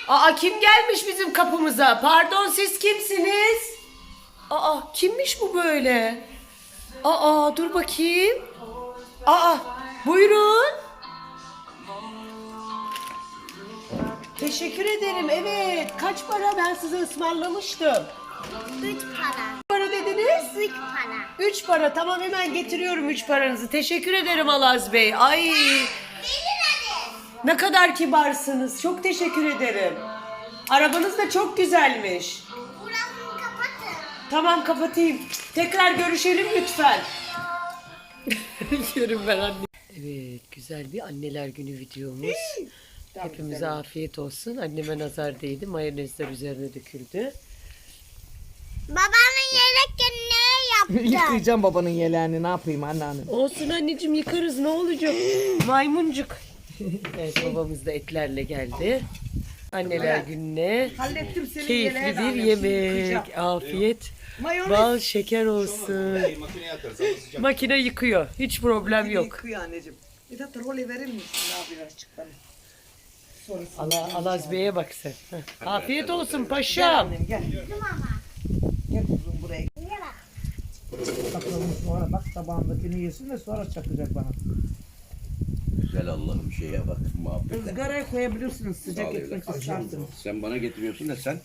Aa, kim gelmiş bizim kapımıza? Pardon, siz kimsiniz? Aa, kimmiş bu böyle? Aa, dur bakayım. Aa, buyurun. Teşekkür ederim. Evet. Kaç para? Ben size ısmarlamıştım. 3 para. Para dediniz? 3 para. 3 para. Tamam, hemen getiriyorum 3 paranızı. Teşekkür ederim Alaz Bey. Ay, Verin hadi. ne kadar kibarsınız. Çok teşekkür ederim. Arabanız da çok güzelmiş. Burasını kapatın. Tamam, kapatayım. Tekrar görüşelim lütfen. Yarın ben anne. Evet, güzel bir anneler günü videomuz. Hepimize afiyet olsun. Anneme nazar değdi. Mayonezler üzerine döküldü. Babanın yelek ne yaptı? Yıkayacağım babanın yeleğini, ne yapayım anneannem. Olsun anneciğim, yıkarız, ne olacak? Maymuncuk. Evet, babamız da etlerle geldi. Anneler gününe Hallettim senin keyifli yeleğini bir annem, yemek. Afiyet. Mayonez. Bal şeker olsun. Makineye atarız ama sıcak. Makine yıkıyor. Hiç problem yok. Yıkıyor anneciğim. Bir de trole verir misin ya birazcık bana? Sonrasında Alaz Bey'e bak sen. Heh. Afiyet olsun Gel paşam. annem gel. Gel kuzum buraya. Niye bak? Bakalım sonra bak tabağındakini yesin de sonra çakacak bana. Güzel Allah'ım şeye bak muhabbete. Izgaraya koyabilirsiniz sıcak Sağ ol ekmek evlat. isterseniz. Sen bana getiriyorsun da sen.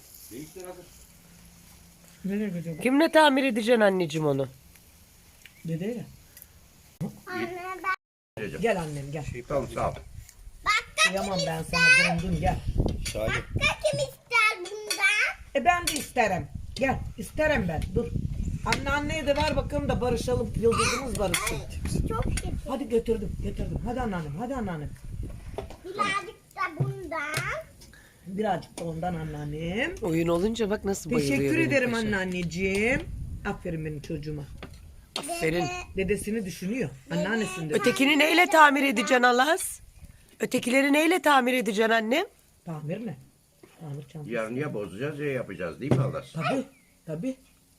Nereye koyacağım? Kimle tamir edeceksin anneciğim onu? Dedeyle. Anne ben. Gel annem gel. Tamam sağ ol. Kıyamam ben sana, döndüm gel. Salih. Kim ister bundan? Ben de isterim. Gel isterim ben, dur. Anneanneye de ver bakalım da barışalım, yıldızımız barışsın. Çok kötü. Hadi götürdüm. Hadi anneannem, hadi anneannem. Birazcık da bundan. Birazcık da ondan anneannem. Oyun olunca bak nasıl bayılıyor. Teşekkür benim ederim paşam. anneanneciğim. Aferin benim çocuğuma. Aferin. Dedesini düşünüyor. Anneannesini de. Ötekini neyle tamir edeceksin Alaz? Ötekileri neyle tamir edeceksin annem? Tamir mi? Tamir çantası. Yarın ya bozacağız ya yapacağız değil mi Allah? Tabii. Tabii.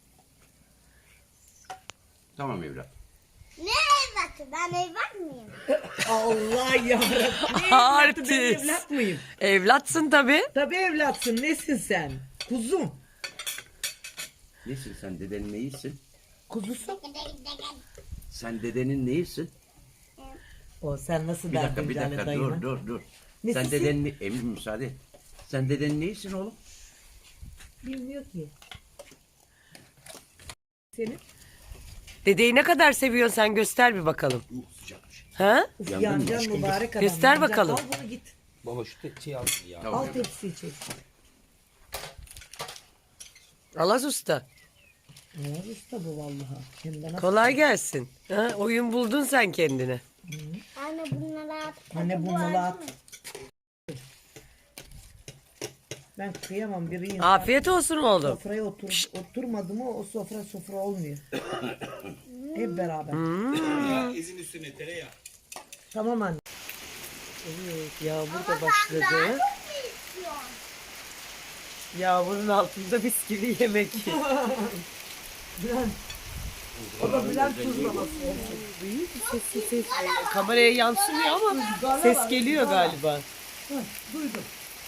Tamam evlat. Ne evlatı? Ben evlat mıyım? Allah yarabbim. Ne evlatı, ben Artist. evlat mıyım? Evlatsın tabii. Tabii evlatsın. Nesin sen? Kuzum. Nesin sen dedenin neyisin? Kuzusun. Sen dedenin neyisin? O sen nasıl Bir dakika derdin bir Cale dakika dayına? dur. Nesisin? Sen dedenin emin müsaade. Sen dedenin neyisin oğlum? Bilmiyor ki. Senin? Dedeyi ne kadar seviyorsun sen, göster bir bakalım. Sıcakmış. Ha? Uf, Yandın mı yancan aşkım? mübarek adam. Göster yancan. bakalım. Al bunu git. Baba şu tepsiyi al ya. Tamam, Al evlat. tepsiyi çek. Alaz Usta. Ne usta bu vallahi. Hem de nasıl? Kolay gelsin. Ha? Oyun buldun sen kendine. Anne bunları at. Anne bunları at. Ben kıyamam biri insan. Afiyet olsun oğlum. Sofraya oturmadı mı o sofra olmuyor. Hep beraber. Ezin üstüne tereyağı. Tamam anne. Evet, yağmur da başladı. Çok mu istiyorsun? Yağmurun altında mis gibi yemek. Bülent. O da Bülent tuzlaması. Ses. Kameraya yansımıyor ama ses geliyor galiba. Duydum.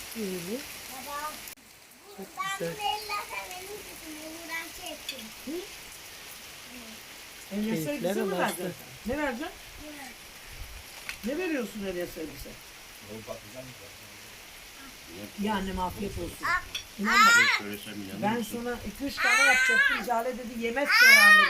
Ben bunu ellersen benim kızım uğraşacaksın. Elyas Keyifler elbise mi alasın. vereceksin? Ne vereceksin? Ne veriyorsun Elyas elbise? Ya annem afiyet olsun. İnan bak, Söylesem ya. ben sana 2-3 tane yapacaktım. Cale dedi yemez sonra anne.